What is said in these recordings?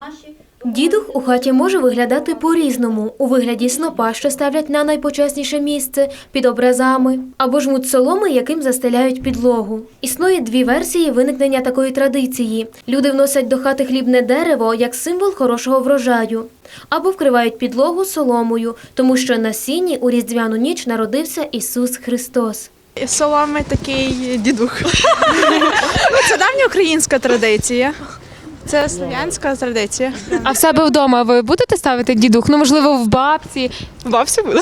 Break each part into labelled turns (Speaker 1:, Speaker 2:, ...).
Speaker 1: Дідух у хаті може виглядати по-різному, у вигляді снопа, що ставлять на найпочесніше місце, під образами, або жмуть соломи, яким застеляють підлогу. Існує дві версії виникнення такої традиції. Люди вносять до хати хлібне дерево як символ хорошого врожаю, або вкривають підлогу соломою, тому що на сіні у різдвяну ніч народився Ісус Христос.
Speaker 2: Соломи такий дідух. Це давня українська традиція. Це слов'янська традиція.
Speaker 3: А в себе вдома ви будете ставити дідух? Ну, можливо, в бабці.
Speaker 2: Бабця буде.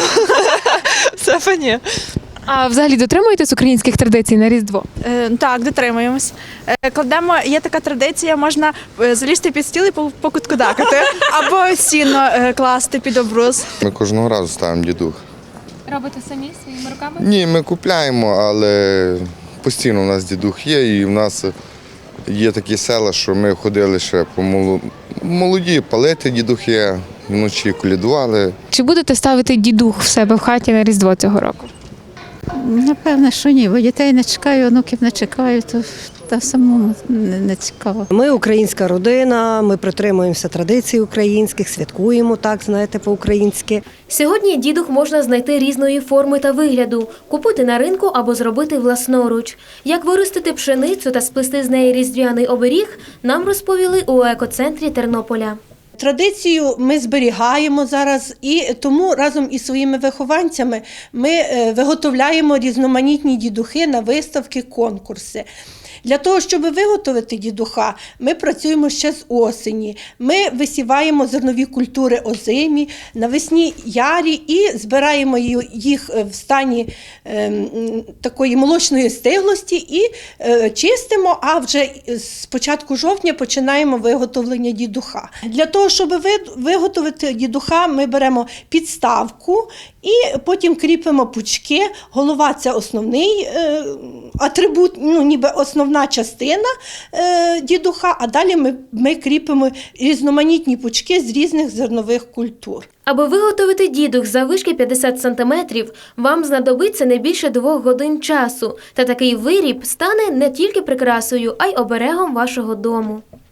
Speaker 2: Це ні.
Speaker 3: А взагалі дотримуєтесь українських традицій на Різдво?
Speaker 2: Так, дотримуємось. Кладемо, є така традиція, можна залізти під стіл і покуткудакати, або сіно класти під обрус.
Speaker 4: Ми кожного разу ставимо дідух.
Speaker 3: Робите самі своїми руками?
Speaker 4: Ні, ми купляємо, але постійно у нас дідух є, і в нас є такі села, що ми ходили ще по молоді, палити дідухи, вночі колядували.
Speaker 3: Чи будете ставити дідух в себе в хаті на Різдво цього року?
Speaker 5: Напевно, що ні, бо дітей не чекаю, онуків не чекаю, то самому не цікаво.
Speaker 6: Ми українська родина, ми притримуємося традицій українських, святкуємо так, знаєте, по-українськи.
Speaker 1: Сьогодні дідух можна знайти різної форми та вигляду, купити на ринку або зробити власноруч. Як виростити пшеницю та сплести з неї різдвяний оберіг, нам розповіли у екоцентрі Тернополя.
Speaker 7: Традицію ми зберігаємо зараз, і тому разом із своїми вихованцями ми виготовляємо різноманітні дідухи на виставки, конкурси. Для того, щоб виготовити дідуха, ми працюємо ще з осені. Ми висіваємо зернові культури озимі, навесні ярі і збираємо їх в стані такої молочної стиглості і чистимо, а вже з початку жовтня починаємо виготовлення дідуха. Для того, щоб виготовити дідуха, ми беремо підставку і потім кріпимо пучки. Голова – це основний атрибут, ніби основна частина дідуха, а далі ми кріпимо різноманітні пучки з різних зернових культур.
Speaker 1: Аби виготовити дідух заввишки 50 сантиметрів, вам знадобиться не більше 2 годин часу. Та такий виріб стане не тільки прикрасою, а й оберегом вашого дому.